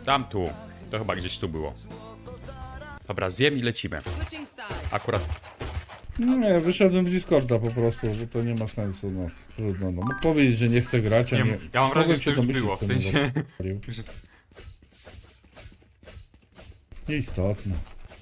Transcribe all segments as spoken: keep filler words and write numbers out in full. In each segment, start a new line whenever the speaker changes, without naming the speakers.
Tam tu. To chyba gdzieś tu było. Dobra, zjem i lecimy. Akurat...
Nie, wyszedłem z Discorda po prostu, bo to nie ma sensu, no. Trudno, no. Mógł powiedzieć, że nie chce grać, a
Nie,
nie...
ja mam
Mogłem
wrażenie, że
się
to już
domyślić,
było, w
co mnie
sensie...
zapalił. Nieistotne.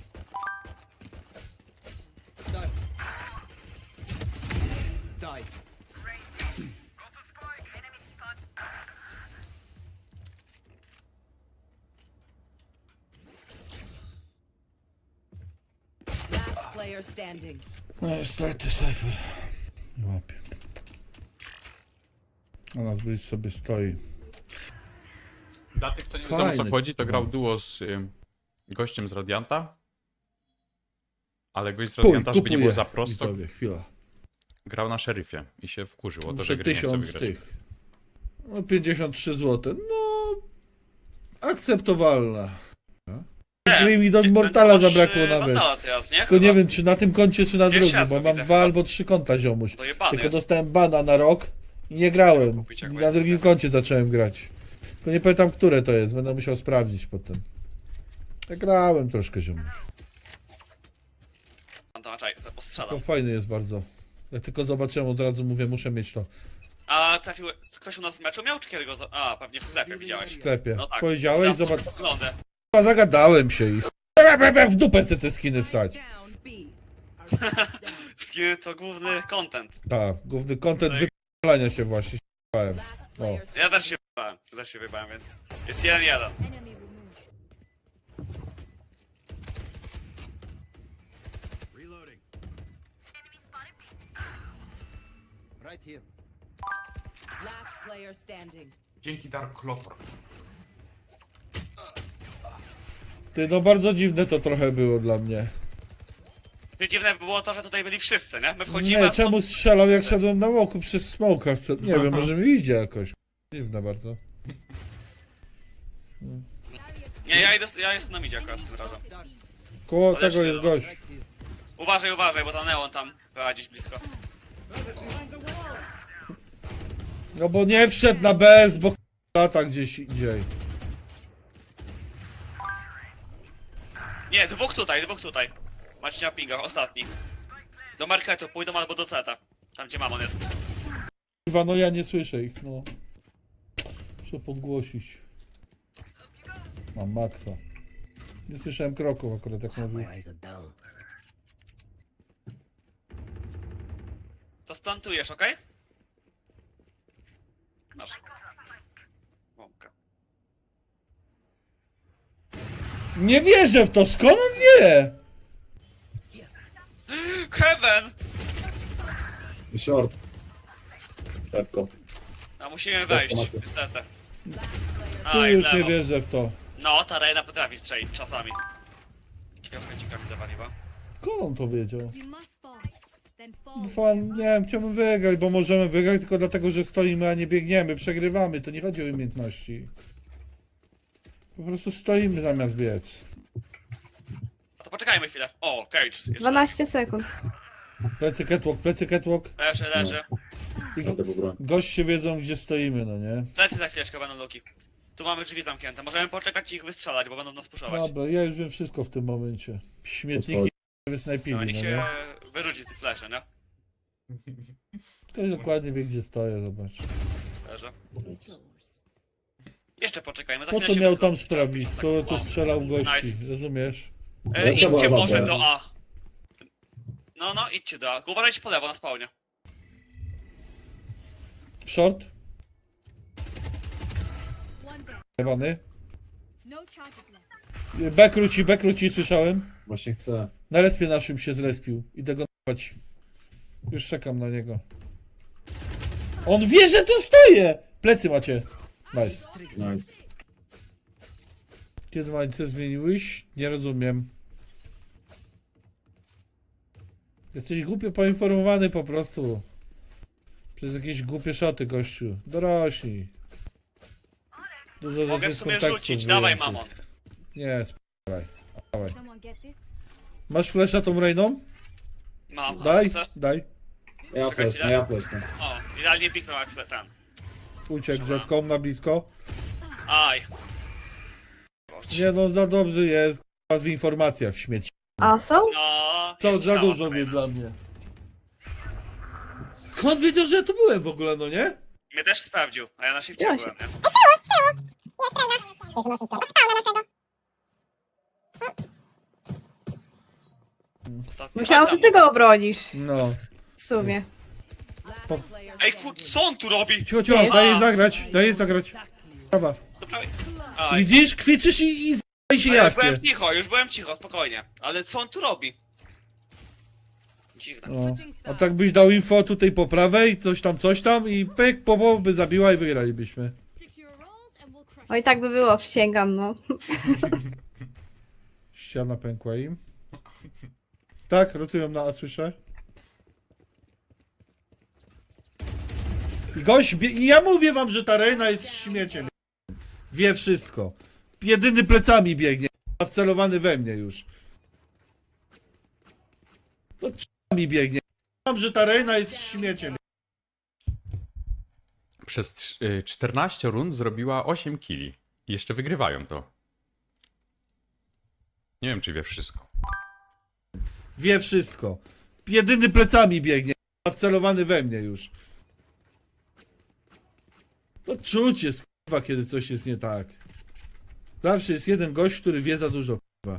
Last player standing.
No niestety, Cypher. Nie łapie. A nas być sobie stoi.
Dla tych, co nie wiedzą, o co
Fajny,
chodzi, to grał
no.
duo z y, gościem z Radianta. Ale gość z
Kuj,
Radianta, żeby nie
kupuję.
było za prosto,
Widzowie, chwila.
grał na szeryfie i się wkurzył o to,
Muszę
że gry nie chce
tysiąc
wygrać.
tych. No pięćdziesiąt trzy złote. No... Akceptowalne. Gry mi do Mortala zabrakło nawet.
Teraz, nie?
Tylko nie wiem, czy na tym koncie, czy na
Pierwszy
drugim,
raz
bo
go
mam
widzę
dwa
chyba.
albo trzy konta, ziomuś.
Dojebany
Tylko
jest.
dostałem bana na rok i nie grałem.
Kupić, jak
I na
będzie
drugim
sklepie.
koncie zacząłem grać. Tylko nie pamiętam, które to jest, będę musiał sprawdzić potem. Ja grałem troszkę, ziomuś.
Tam, tam, czekaj,
To
postrzelam.
fajny jest bardzo. Jak tylko zobaczyłem, od razu mówię, muszę mieć to
A trafił... Ktoś u nas w meczu miał, czy kiedy go... za- A, pewnie w sklepie widziałeś.
w sklepie.
No tak.
Powiedziałeś,
Zawsze
zobacz.
Oglądę.
Chyba zagadałem się i ch... w dupę chcę te skiny wstać.
Down B.
Skiny to główny content.
Tak, główny content
Tak.
wypalania się właśnie. ś***ałem.
Last player
Ja też się wybałem, ja też się wybałem, więc... Jest jeden jeden.
Enemy removed. Last player standing.
Dzięki Dark Lotor.
Ty, no bardzo dziwne to trochę było dla mnie.
Dziwne by było to, że tutaj byli wszyscy, nie? My wchodzimy,
Nie,
a są...
czemu strzelał jak szedłem na łoku przez smoka? Nie wiem, może mi idzie jakoś. Dziwne bardzo.
Nie, ja, idę, ja jestem na midzie akurat tym razem.
Koło
Ale
tego
się
jest
do nas.
gość.
Uważaj, uważaj, bo ta neon tam była gdzieś blisko.
No bo nie wszedł na B S, bo lata gdzieś indziej.
Nie, dwóch tutaj, dwóch tutaj. Macie na pingach, ostatni. Do marketu pójdą albo do C T. Tam gdzie mamon jest.
Kurwa, no ja nie słyszę ich, no. Muszę podgłosić. Mam maksa. Nie słyszałem kroków akurat, jak mówił.
To splantujesz, okej? Masz. Bombka.
Nie wierzę w to, skąd on wie?
Heaven!
Short. Szewko.
A musimy wejść,
macie.
niestety.
Tu
Aj,
już nie
lewo.
wierzę w to.
No, ta Reina potrafi strzelić czasami. Takiego chęcika mi zawaliła.
Skąd on to wiedział?
You must fall. Then fall.
Fan, nie wiem, chciałbym wygrać, bo możemy wygrać tylko dlatego, że stoimy, a nie biegniemy, przegrywamy, to nie chodzi o umiejętności. Po prostu stoimy zamiast biec.
A to poczekajmy chwilę. O, Cage. Jeszcze.
dwanaście sekund.
Plecy catwalk, plecy catwalk.
Leży, leży.
I
Na tego broń.
goście wiedzą, gdzie stoimy, no nie?
Plecy za chwileczkę będą luki. Tu mamy drzwi zamknięte. Możemy poczekać i ich wystrzelać, bo będą nas puszować.
Dobra, ja już wiem wszystko w tym momencie. Śmietniki wysnajpili,
No,
no
niech się
nie?
wyrzuci tych fleszy, nie?
Ktoś dokładnie wie, gdzie stoję, zobacz.
Leży. Jeszcze poczekajmy, za
Po
chwilę
co
się
miał tam
wychyli.
sprawić? To tu strzelał w gości,
Nice.
rozumiesz?
E,
Jaka
idźcie
była
może
mapa?
do A. No, no, idźcie do A. Tylko uważajcie po lewo na spawnie.
Short?
One down.
Jebany.
No charges left.
B króci, B króci, słyszałem.
Właśnie chcę.
Na respie naszym się zrespił. Idę go n***ać. Już czekam na niego. On wie, że tu stoję! Plecy macie. Nice.
Nice.
Kiedy mańce zmieniłeś? Nie rozumiem. Jesteś głupio poinformowany po prostu. Przez jakieś głupie szoty, gościu. Dorośli. Dużo
Mogę
rzeczy
w
z
sumie
kontekstu
rzucić, dawaj
wyjętych.
mamon.
Nie, spokojaj. Dawaj.
Someone get this?
Masz flesza tą Rainą?
Mam, a
Daj,
co chcesz?
daj.
Ja
Czekaj
flesznę,
chwilę.
ja flesznę.
O, idealnie piknął jak ten.
Uciekł
Dobra.
rzadką na blisko.
Aj.
Nie no, za dobrze jest k***a, w informacjach śmieci.
A są?
No,
Co
jest
za
sprawa
dużo wie
kolejna.
dla mnie. Skąd wiedział, że ja tu byłem w ogóle, no nie?
Mnie też sprawdził, a ja na shifcie
Ja
byłem, nie? Ostatni
Myślałam, że
raz
ty go obronisz.
No.
W sumie.
Last player
Ej,
standing.
kur... co on tu robi?
Cicho, cicho,
Nie.
daj jej zagrać, daj jej zagrać. Prawa.
To prawie... Aj.
Widzisz, kwiczysz i, i z***aj się
No, już
jakie.
byłem cicho, już byłem cicho, spokojnie. Ale co on tu robi? Dziwne.
No. A tak byś dał info tutaj po prawej, coś tam, coś tam i pyk, po po by zabiła i wygralibyśmy.
Stick to your roles and we'll crush
Oj, tak by było, przysięgam, no.
Ściana pękła im. Tak, rotują na A, słyszę. I gość, bie- i ja mówię wam, że ta Reina jest śmieciem. Wie wszystko. Jedyny plecami biegnie, a wcelowany we mnie już. To mi biegnie. Wam, że ta Reina jest śmieciem.
Przez trz- y, czternaście rund zrobiła osiem killi. I jeszcze wygrywają to. Nie wiem, czy wie wszystko.
Wie wszystko. Jedyny plecami biegnie, a wcelowany we mnie już. To czuć jest, kurwa, kiedy coś jest nie tak. Zawsze jest jeden gość, który wie za dużo, kurwa.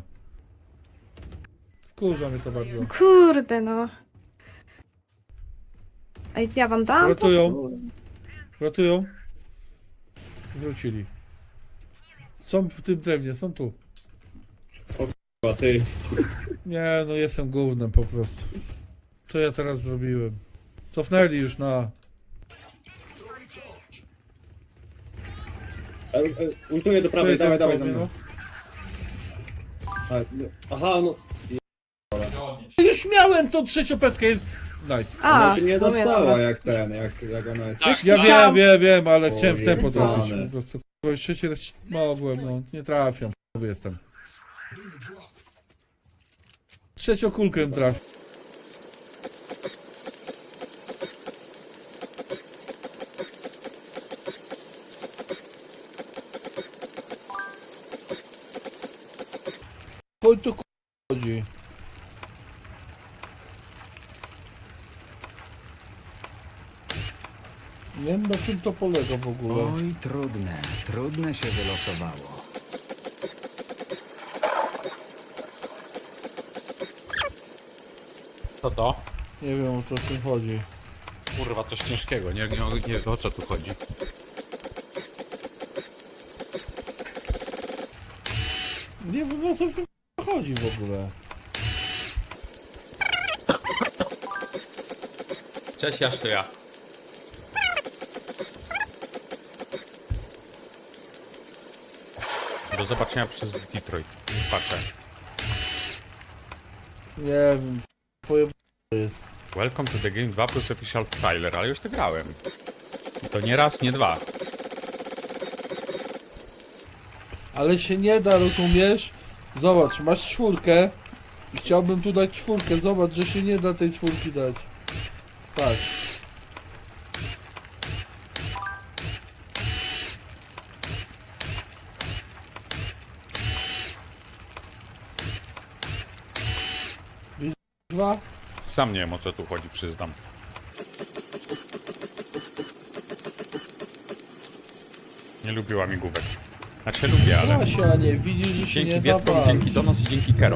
Wkurza mnie to bardzo.
Kurde, no. Ej, ja wam dam? to?
Rotują.
Kurde.
Rotują. Wrócili. Są w tym drewnie, są tu.
A ty.
Nie, no jestem gównem po prostu. Co ja teraz zrobiłem? Cofnęli już na...
E, e, Ultuję do
To
prawej,
jest
dawaj,
ten
dawaj za
koło,
mną. A, no, aha, no.
Już miałem tą trzeciopeskę, jest... Nice.
A,
no, ty nie
w sumie,
dostała
dobra.
jak ten, jak, jak ona jest.
Tak.
Ja wiem, wiem, wiem, ale
O,
chciałem w tempo
jebane.
trafić. Po prostu, kurwa, już trzeci raz mogłem, no, nie trafiam, k***owy jestem. Trzecią kulkę trafię. Chodź tu, k***a, chodzi. Nie wiem, na czym to polega w ogóle.
Oj, trudne, trudne się wylosowało.
Co to?
Nie wiem, o co w tym chodzi.
Kurwa, coś ciężkiego. Nie, nie, nie o co tu chodzi.
Nie wiem, o co w tym chodzi w ogóle.
Cześć, Jaś, to ja. Do zobaczenia przez Detroit. Patrzę.
Nie wiem, pojeb... jest.
Welcome to the game dwa plus official trailer, ale już to grałem. I to nie raz, nie dwa.
Ale się nie da, rozumiesz? Zobacz, masz czwórkę i chciałbym tu dać czwórkę. Zobacz, że się nie da tej czwórki dać. Tak. Widzisz, dwa?
Sam nie wiem, o co tu chodzi, przyznam. Nie lubiła migówek. Znaczy lubię, ale...
Kasia, nie widzisz, że się
Dzięki
nie da
Wietkom,
bawić.
dzięki Donos i dzięki Kero.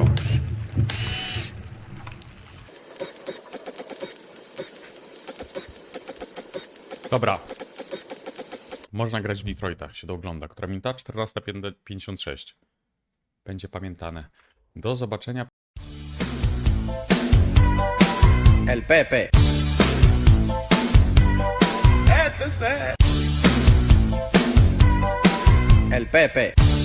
Dobra. Można grać w Detroita, się to ogląda. Która minuta? czternasta pięćdziesiąt sześć. Będzie pamiętane. Do zobaczenia.
El Pepe. El Pepe.